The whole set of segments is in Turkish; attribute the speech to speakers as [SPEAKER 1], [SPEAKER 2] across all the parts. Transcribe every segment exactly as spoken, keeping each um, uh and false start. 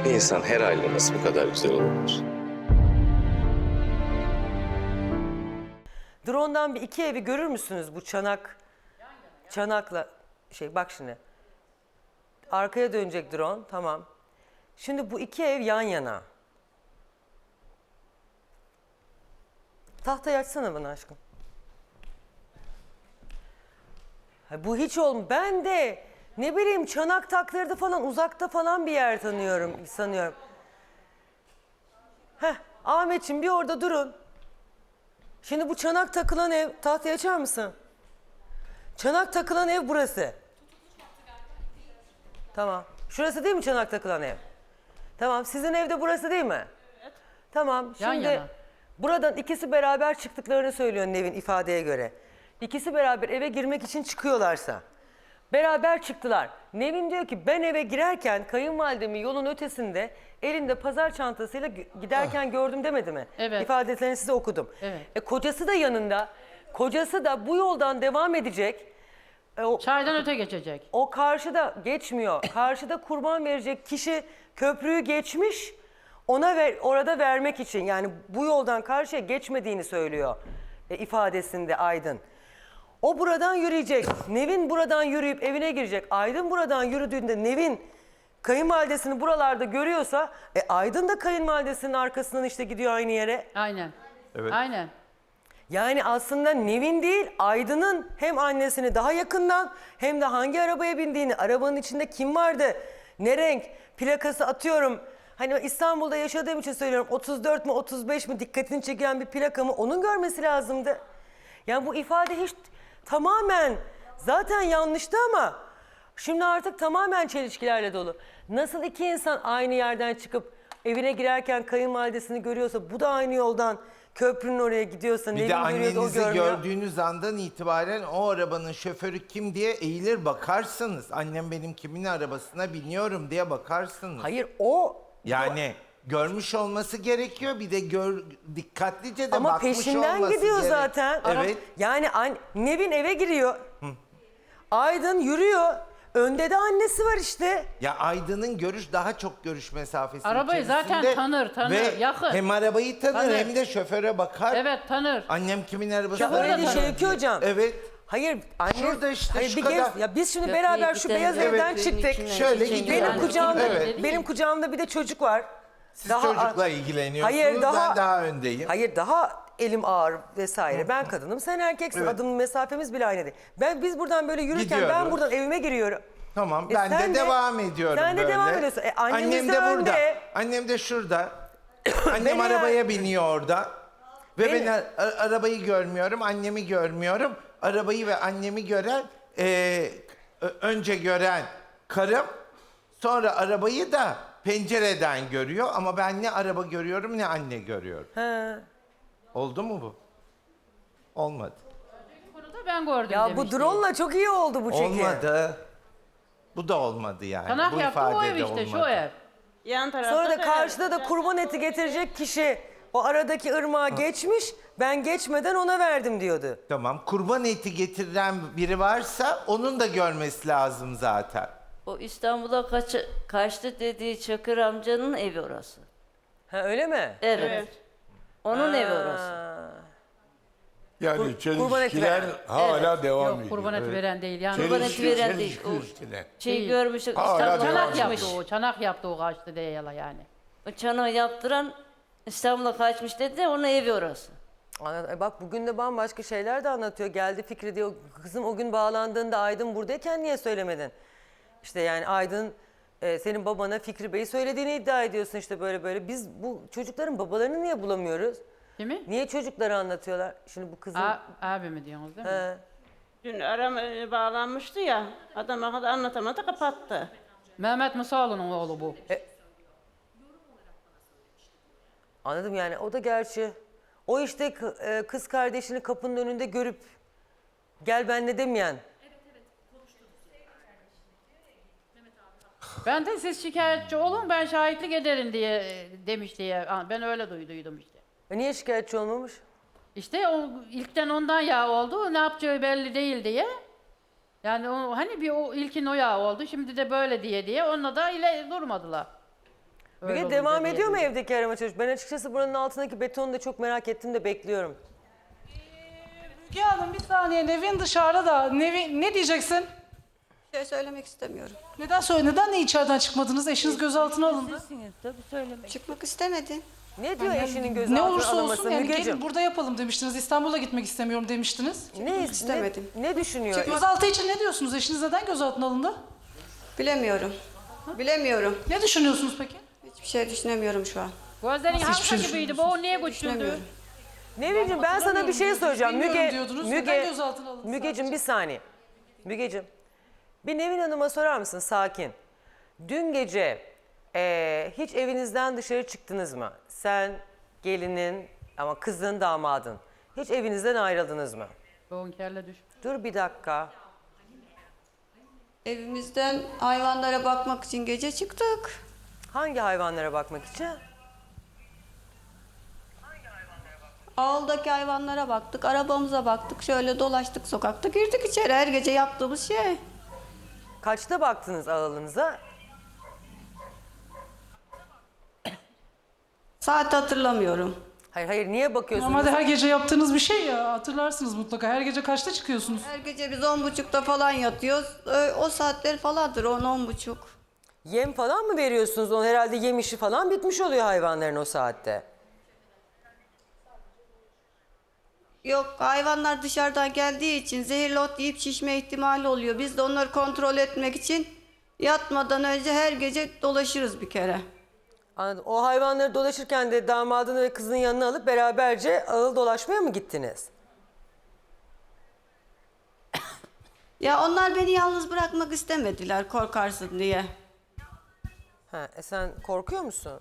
[SPEAKER 1] Bir insan her haliyle nasıl bu kadar güzel olabilir?
[SPEAKER 2] Drone'dan bir iki evi görür müsünüz bu çanak? Çanakla şey bak şimdi. Arkaya dönecek drone, tamam. Şimdi bu iki ev yan yana. Tahtayı açsana bana aşkım. Ha, bu hiç olmuyor. Ben de ne bileyim çanak taktırdı falan, uzakta falan bir yer tanıyorum, sanıyorum. Heh, Ahmetciğim bir orada durun. Şimdi bu çanak takılan ev, tahtayı açar mısın? Çanak takılan ev burası. Tamam. Şurası değil mi çanak takılan ev? Tamam. Sizin evde burası değil mi? Evet. Tamam.
[SPEAKER 3] Yan
[SPEAKER 2] Şimdi
[SPEAKER 3] yana.
[SPEAKER 2] buradan ikisi beraber çıktıklarını söylüyor Nevin ifadeye göre. İkisi beraber eve girmek için çıkıyorlarsa. Beraber çıktılar. Nevin diyor ki ben eve girerken kayınvalidemi yolun ötesinde elinde pazar çantasıyla giderken gördüm demedi mi?
[SPEAKER 3] Evet.
[SPEAKER 2] İfadelerini size okudum.
[SPEAKER 3] Evet.
[SPEAKER 2] E, kocası da yanında. Kocası da bu yoldan devam edecek. E, o,
[SPEAKER 3] Çaydan öte geçecek.
[SPEAKER 2] o karşıda geçmiyor. Karşıda kurban verecek kişi köprüyü geçmiş. Ona ver, orada vermek için yani bu yoldan karşıya geçmediğini söylüyor e, ifadesinde Aydın. O buradan yürüyecek. Nevin buradan yürüyüp evine girecek. Aydın buradan yürüdüğünde Nevin kayınvalidesini buralarda görüyorsa e, Aydın da kayınvalidesinin arkasından işte gidiyor aynı yere.
[SPEAKER 3] Aynen.
[SPEAKER 4] Evet.
[SPEAKER 3] Aynen.
[SPEAKER 2] Yani aslında Nevin değil Aydın'ın hem annesini daha yakından hem de hangi arabaya bindiğini, arabanın içinde kim vardı, ne renk, plakası atıyorum. Hani İstanbul'da yaşadığım için söylüyorum otuz dört mü otuz beş mi dikkatini çeken bir plakamı onun görmesi lazımdı. Yani bu ifade hiç tamamen zaten yanlıştı ama şimdi artık tamamen çelişkilerle dolu. Nasıl iki insan aynı yerden çıkıp evine girerken kayınvalidesini görüyorsa bu da aynı yoldan köprünün oraya gidiyorsa
[SPEAKER 4] Bir de
[SPEAKER 2] Nevin görüyor da o
[SPEAKER 4] annenizi
[SPEAKER 2] görmüyor.
[SPEAKER 4] gördüğünüz andan itibaren o arabanın şoförü kim diye eğilir bakarsınız. Annem benim kimin arabasına biniyorum diye bakarsınız.
[SPEAKER 2] Hayır o
[SPEAKER 4] Yani görmüş olması gerekiyor. Bir de gör, dikkatlice de
[SPEAKER 2] ama
[SPEAKER 4] bakmış
[SPEAKER 2] peşinden
[SPEAKER 4] olması
[SPEAKER 2] gidiyor
[SPEAKER 4] gerek.
[SPEAKER 2] zaten.
[SPEAKER 4] Evet.
[SPEAKER 2] Yani an, Nevin eve giriyor. Aydın yürüyor. Önde de annesi var işte.
[SPEAKER 4] Ya Aydın'ın görüş daha çok görüş mesafesi
[SPEAKER 3] Arabayı zaten
[SPEAKER 4] içerisinde
[SPEAKER 3] tanır, tanır,
[SPEAKER 4] ve
[SPEAKER 3] yakın.
[SPEAKER 4] hem arabayı tanır,
[SPEAKER 3] Tanır.
[SPEAKER 4] hem de şoföre bakar.
[SPEAKER 3] Evet tanır.
[SPEAKER 4] Annem kimin arabasına
[SPEAKER 2] Ya öyle
[SPEAKER 3] tanır.
[SPEAKER 2] Şevki hocam.
[SPEAKER 4] Evet.
[SPEAKER 2] Hayır anne.
[SPEAKER 4] Şurada işte
[SPEAKER 2] hayır,
[SPEAKER 4] şu
[SPEAKER 2] bir
[SPEAKER 4] kadar.
[SPEAKER 2] gez- ya biz şimdi
[SPEAKER 5] Köprüye
[SPEAKER 2] beraber şu
[SPEAKER 5] giden
[SPEAKER 2] beyaz
[SPEAKER 5] evet,
[SPEAKER 2] evden
[SPEAKER 5] evin
[SPEAKER 2] çıktık.
[SPEAKER 5] içine
[SPEAKER 4] Şöyle
[SPEAKER 5] geçince
[SPEAKER 4] gidiyor.
[SPEAKER 2] Benim
[SPEAKER 3] Yani
[SPEAKER 2] kucağımda
[SPEAKER 4] evet.
[SPEAKER 2] benim kucağımda bir de çocuk var.
[SPEAKER 4] Siz çocukla ilgileniyorsunuz,
[SPEAKER 2] Hayır, daha-
[SPEAKER 4] ben daha öndeyim.
[SPEAKER 2] Hayır daha elim ağır vesaire. Ben kadınım, sen erkeksin.
[SPEAKER 4] Evet.
[SPEAKER 2] Adım mesafemiz bile aynı değil. Ben biz buradan böyle yürürken ben
[SPEAKER 4] Gidiyoruz.
[SPEAKER 2] buradan evime giriyorum.
[SPEAKER 4] Tamam,
[SPEAKER 2] E
[SPEAKER 4] ben
[SPEAKER 2] sen
[SPEAKER 4] de,
[SPEAKER 2] de-
[SPEAKER 4] devam ediyorum
[SPEAKER 2] sen de
[SPEAKER 4] böyle.
[SPEAKER 2] devam ediyorsun. E, annemiz
[SPEAKER 4] Annem
[SPEAKER 2] de
[SPEAKER 4] de burada.
[SPEAKER 2] önde.
[SPEAKER 4] Annem de şurada. Annem
[SPEAKER 2] Beni
[SPEAKER 4] arabaya
[SPEAKER 2] ya-
[SPEAKER 4] biniyor orada. Ve
[SPEAKER 2] Beni-
[SPEAKER 4] ben a- a- arabayı görmüyorum, annemi görmüyorum. Arabayı ve annemi gören, e, ö- önce gören karım, sonra arabayı da pencereden görüyor. Ama ben ne araba görüyorum ne anne görüyorum.
[SPEAKER 2] He.
[SPEAKER 4] Oldu mu bu? Olmadı.
[SPEAKER 3] Bunu da ben gördüm
[SPEAKER 2] Ya
[SPEAKER 3] demişti.
[SPEAKER 2] bu drone'la çok iyi oldu bu çekim.
[SPEAKER 4] Olmadı. Bu da olmadı yani.
[SPEAKER 3] Tanak
[SPEAKER 4] bu
[SPEAKER 3] yaptı o
[SPEAKER 4] ifade
[SPEAKER 3] ev
[SPEAKER 4] de
[SPEAKER 3] işte şu
[SPEAKER 4] olmadı.
[SPEAKER 3] ev.
[SPEAKER 5] Yan tarafta
[SPEAKER 2] Sonra da
[SPEAKER 5] da-
[SPEAKER 2] karşıda da kurban eti getirecek kişi o aradaki ırmağa geçmiş. Ben geçmeden ona verdim diyordu.
[SPEAKER 4] Tamam. Kurban eti getiren biri varsa onun da görmesi lazım zaten.
[SPEAKER 5] O İstanbul'a kaç, kaçtı dediği Çakır amcanın evi orası.
[SPEAKER 2] Ha öyle mi?
[SPEAKER 5] Evet. Onun evi orası.
[SPEAKER 2] Ha.
[SPEAKER 6] Yani
[SPEAKER 2] kurban eti
[SPEAKER 6] çelişkiler
[SPEAKER 2] veren.
[SPEAKER 6] hala devam
[SPEAKER 3] Yok
[SPEAKER 6] ediyor.
[SPEAKER 3] kurban eti veren değil yani.
[SPEAKER 5] Kurban eti
[SPEAKER 6] Çelişki-
[SPEAKER 5] veren değil.
[SPEAKER 6] çelişki
[SPEAKER 5] O
[SPEAKER 6] üstüne.
[SPEAKER 5] şey
[SPEAKER 3] Değil.
[SPEAKER 5] görmüştük
[SPEAKER 6] Hala
[SPEAKER 5] İstanbul'a
[SPEAKER 6] devam
[SPEAKER 3] Çanak
[SPEAKER 6] ediyor.
[SPEAKER 5] kaçmış.
[SPEAKER 3] yaptı o. Çanak yaptı o kaçtı diye yala yani.
[SPEAKER 5] O çanağı yaptıran İstanbul'a kaçmış dedi de onun evi orası.
[SPEAKER 2] Ana- e Bak bugün de bambaşka şeyler de anlatıyor. Geldi Fikri diyor. Kızım o gün bağlandığında Aydın buradayken niye söylemedin? İşte yani Aydın e, senin babana Fikri Bey'i söylediğini iddia ediyorsun işte böyle böyle. Biz bu çocukların babalarını niye bulamıyoruz?
[SPEAKER 3] Değil mi?
[SPEAKER 2] Niye çocukları anlatıyorlar? Şimdi bu kızın...
[SPEAKER 3] A abi mi diyorsunuz değil mi?
[SPEAKER 2] He.
[SPEAKER 7] Dün aram e, bağlanmıştı ya, adama kadar anlatamadı, kapattı.
[SPEAKER 3] Mehmet Musaoğlu'nun oğlu bu.
[SPEAKER 2] Anladım yani o da gerçi. O işte k- e, kız kardeşini kapının önünde görüp gel benle demeyen.
[SPEAKER 3] Ben de siz şikayetçi olun ben şahitlik ederim diye e, demiş diye. Ha, ben öyle duyduydum işte.
[SPEAKER 2] E niye şikayetçi olmamış?
[SPEAKER 3] İşte o ilkten ondan yağ oldu. Ne yapacağı belli değil diye. Yani o, hani bir o ilkin o yağ oldu. Şimdi de böyle diye diye onunla da ile durmadılar. Öyle
[SPEAKER 2] Müge
[SPEAKER 3] olunca
[SPEAKER 2] devam
[SPEAKER 3] diye
[SPEAKER 2] ediyor mu
[SPEAKER 3] duydum.
[SPEAKER 2] evdeki arama çalışması? Ben açıkçası buranın altındaki betonu da çok merak ettim de bekliyorum.
[SPEAKER 8] Müge Hanım bir saniye, Nevin dışarıda da. Nevin ne diyeceksin?
[SPEAKER 9] Bir şey söylemek istemiyorum.
[SPEAKER 8] Neden söyle? Neden de içeriden çıkmadınız? Eşiniz gözaltına alındı.
[SPEAKER 5] Sizsiniz tabii söylemek.
[SPEAKER 9] Çıkmak istemedi.
[SPEAKER 2] Ne diyor eşinin
[SPEAKER 8] Ne
[SPEAKER 2] gözaltına
[SPEAKER 8] olursa
[SPEAKER 2] alınması
[SPEAKER 8] olsun yani
[SPEAKER 2] Mügeciğim?
[SPEAKER 8] gelin burada yapalım demiştiniz. İstanbul'a gitmek istemiyorum demiştiniz.
[SPEAKER 2] Ne,
[SPEAKER 9] istemedim.
[SPEAKER 2] ne, ne düşünüyor?
[SPEAKER 8] Gözaltı için ne diyorsunuz? Eşiniz neden gözaltına alındı?
[SPEAKER 9] Bilemiyorum. Bilemiyorum.
[SPEAKER 8] Ne düşünüyorsunuz peki?
[SPEAKER 9] Hiçbir şey düşünemiyorum şu an.
[SPEAKER 3] Gözlerin
[SPEAKER 8] Nasıl hiçbir şey
[SPEAKER 3] halka gibiydi. Bu o niye götürdü?
[SPEAKER 9] Düşünemiyorum.
[SPEAKER 2] Nevin'cim ben sana bir şey soracağım.
[SPEAKER 8] Bilmiyorum
[SPEAKER 2] Müge,
[SPEAKER 8] diyordunuz.
[SPEAKER 2] Müge,
[SPEAKER 8] Neden gözaltına alındı
[SPEAKER 2] Mügeciğim bir saniye. Mügeciğim bir Nevin Hanım'a sorar mısın sakin? Dün gece eee, hiç evinizden dışarı çıktınız mı? Sen, gelinin ama kızın, damadın. Hiç evinizden ayrıldınız mı?
[SPEAKER 3] Bonkerle düş.
[SPEAKER 2] Dur bir dakika.
[SPEAKER 9] Evimizden hayvanlara bakmak için gece çıktık.
[SPEAKER 2] Hangi hayvanlara bakmak için?
[SPEAKER 9] Ağıldaki hayvanlara baktık, arabamıza baktık. Şöyle dolaştık sokakta, girdik içeri. Her gece yaptığımız şey.
[SPEAKER 2] Kaçta baktınız ağalınıza?
[SPEAKER 9] Saat hatırlamıyorum.
[SPEAKER 2] Hayır hayır niye bakıyorsunuz?
[SPEAKER 8] Normalde her gece yaptığınız bir şey ya. Hatırlarsınız mutlaka. Her gece kaçta çıkıyorsunuz?
[SPEAKER 9] Her gece biz on buçukta falan yatıyoruz. Ö- O saatler falandır, on, on buçuk.
[SPEAKER 2] Yem falan mı veriyorsunuz? O herhalde yem işi falan bitmiş oluyor hayvanların o saatte.
[SPEAKER 9] Yok, hayvanlar dışarıdan geldiği için zehirli ot yiyip şişme ihtimali oluyor. Biz de onları kontrol etmek için yatmadan önce her gece dolaşırız bir kere.
[SPEAKER 2] Anladım. O hayvanları dolaşırken de damadını ve kızın yanına alıp beraberce ağıl dolaşmaya mı gittiniz?
[SPEAKER 9] Ya onlar beni yalnız bırakmak istemediler korkarsın diye.
[SPEAKER 2] Ha, e sen korkuyor musun?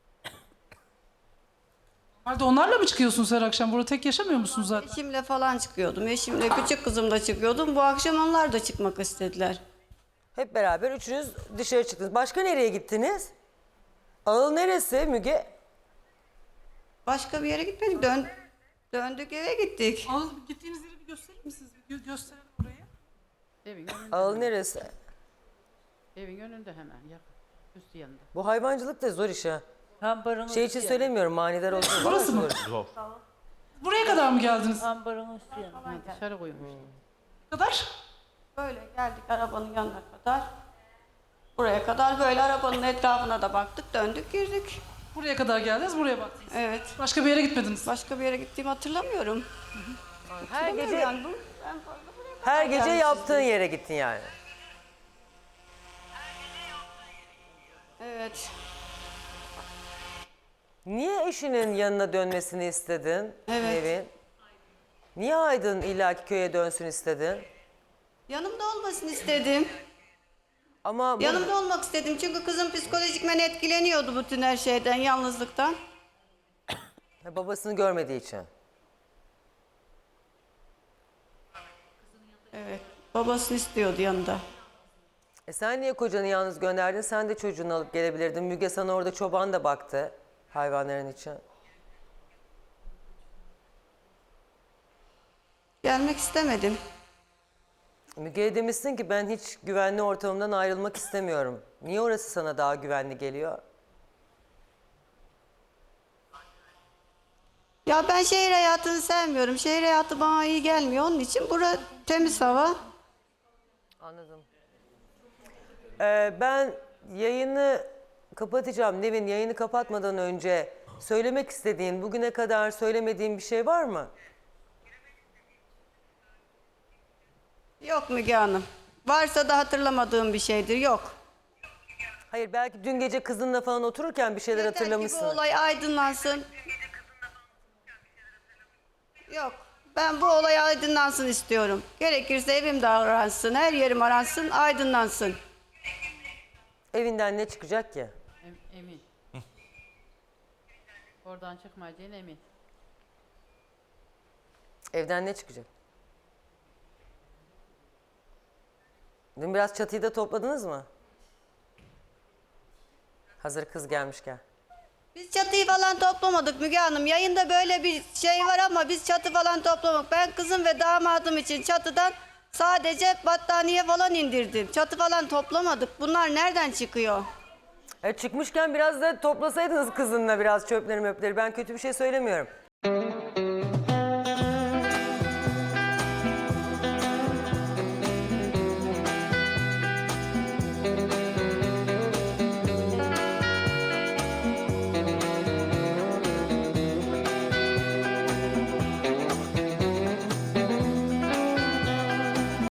[SPEAKER 8] Normalde onlarla mı çıkıyorsunuz her akşam? Burada tek yaşamıyor musunuz zaten?
[SPEAKER 9] Eşimle falan çıkıyordum. Eşimle küçük kızımla çıkıyordum. Bu akşam onlar da çıkmak istediler.
[SPEAKER 2] Hep beraber üçünüz dışarı çıktınız. Başka nereye gittiniz? Ağıl neresi Müge?
[SPEAKER 9] Başka bir yere gitmedik. Dön döndük eve gittik.
[SPEAKER 8] Al, gittiğiniz yeri bir gösterir misiniz? Bir gö- gösterin orayı.
[SPEAKER 3] Evin önünde.
[SPEAKER 2] Ağıl neresi?
[SPEAKER 3] Evin önünde hemen yakın. Üstü yanında.
[SPEAKER 2] Bu hayvancılık da zor iş ha.
[SPEAKER 5] Ambarın
[SPEAKER 2] Şey için
[SPEAKER 5] üstü
[SPEAKER 2] söylemiyorum manidar olsun.
[SPEAKER 8] Burası mı?
[SPEAKER 2] Zor.
[SPEAKER 8] Buraya kadar mı geldiniz?
[SPEAKER 5] yanı. Ambarın üstü yanı.
[SPEAKER 3] Ha, dışarı koymuştum.
[SPEAKER 8] Kadar?
[SPEAKER 9] Böyle geldik arabanın yanına kadar. Buraya kadar böyle arabanın etrafına da baktık. Döndük girdik.
[SPEAKER 8] Buraya kadar geldiniz, buraya baktınız.
[SPEAKER 9] Evet.
[SPEAKER 8] Başka bir yere gitmediniz.
[SPEAKER 9] Başka bir yere gittiğimi hatırlamıyorum.
[SPEAKER 2] Her
[SPEAKER 9] Hatırlamıyorum
[SPEAKER 2] gece
[SPEAKER 9] yani bu. En fazla buraya kadar
[SPEAKER 2] her gece
[SPEAKER 9] gelmişizdir.
[SPEAKER 2] yaptığın yere gittin yani.
[SPEAKER 9] Evet.
[SPEAKER 2] Niye eşinin yanına dönmesini istedin
[SPEAKER 9] Evet.
[SPEAKER 2] Nevin? Niye Aydın illaki köye dönsün istedin?
[SPEAKER 9] Yanımda olmasını istedim.
[SPEAKER 2] Ama bu-
[SPEAKER 9] Yanımda olmak istedim çünkü kızım psikolojikmen etkileniyordu bütün her şeyden, yalnızlıktan.
[SPEAKER 2] Ha, babasını görmediği için.
[SPEAKER 9] Evet. Babasını istiyordu yanında.
[SPEAKER 2] E sen niye kocanı yalnız gönderdin? Sen de çocuğunu alıp gelebilirdin. Müge sana orada çoban da baktı hayvanların için.
[SPEAKER 9] Gelmek istemedim.
[SPEAKER 2] Müge'ye demişsin ki ben hiç güvenli ortamımdan ayrılmak istemiyorum. Niye orası sana daha güvenli geliyor?
[SPEAKER 9] Ya ben şehir hayatını sevmiyorum. Şehir hayatı bana iyi gelmiyor. Onun için bura temiz hava.
[SPEAKER 2] Anladım. Ee, ben yayını kapatacağım. Nevin yayını kapatmadan önce söylemek istediğin, bugüne kadar söylemediğin bir şey var mı?
[SPEAKER 9] Yok Müge Hanım. Varsa da hatırlamadığım bir şeydir. Yok.
[SPEAKER 2] Hayır belki dün gece kızınla falan otururken bir şeyler
[SPEAKER 9] Yeter ki
[SPEAKER 2] hatırlamışsın.
[SPEAKER 9] bu olay aydınlansın. Yok. Ben bu olay aydınlansın istiyorum. Gerekirse evim de aransın, her yerim aransın, aydınlansın.
[SPEAKER 2] Evinden ne çıkacak ki?
[SPEAKER 3] Em- emin. Oradan çıkmayacağına emin.
[SPEAKER 2] Evden ne çıkacak? Dün biraz çatıyı da topladınız mı? Hazır kız gelmişken.
[SPEAKER 9] Biz çatıyı falan toplamadık Müge Hanım. Yayında böyle bir şey var ama biz çatı falan toplamadık. Ben kızım ve damadım için çatıdan sadece battaniye falan indirdim. Çatı falan toplamadık. Bunlar nereden çıkıyor?
[SPEAKER 2] E çıkmışken biraz da toplasaydınız kızınla biraz çöpleri möpleri. Ben kötü bir şey söylemiyorum.